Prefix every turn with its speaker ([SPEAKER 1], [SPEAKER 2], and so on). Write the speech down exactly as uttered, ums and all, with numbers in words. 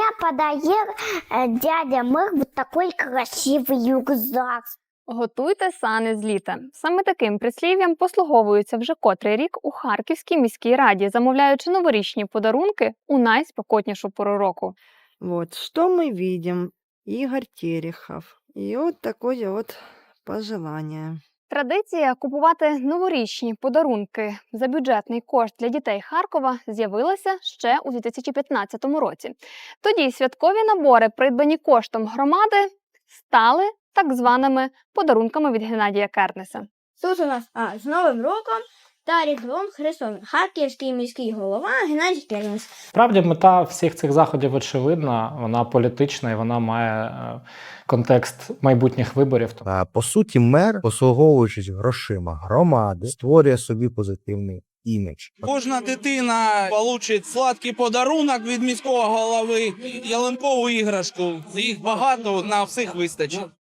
[SPEAKER 1] подарил э, дядя Мэр вот такой красивый рюкзак.
[SPEAKER 2] Готуйте сани з літа. Саме таким прислів'ям послуговуються вже котрий рік у Харківській міській раді, замовляючи новорічні подарунки у найспекотнішу пору року.
[SPEAKER 3] Вот, что мы видим? Игорь Терехов. И вот такое вот пожелание.
[SPEAKER 2] Традиція купувати новорічні подарунки за бюджетний кошт для дітей Харкова з'явилася ще у дві тисячі п'ятнадцятому році. Тоді святкові набори, придбані коштом громади, стали так званими подарунками від Геннадія Кернеса.
[SPEAKER 4] Тут у нас а, з Новим роком та Різдвом Христовим. Харківський міський голова Геннадій Кернес.
[SPEAKER 5] Справді мета всіх цих заходів очевидна, вона політична і вона має е, контекст майбутніх виборів.
[SPEAKER 6] А, По суті, мер, послуговуючись грошима громади, створює собі позитивний імідж.
[SPEAKER 7] Кожна дитина отримає сладкий подарунок від міського голови, ялинкову іграшку. Їх багато, на всіх вистачить.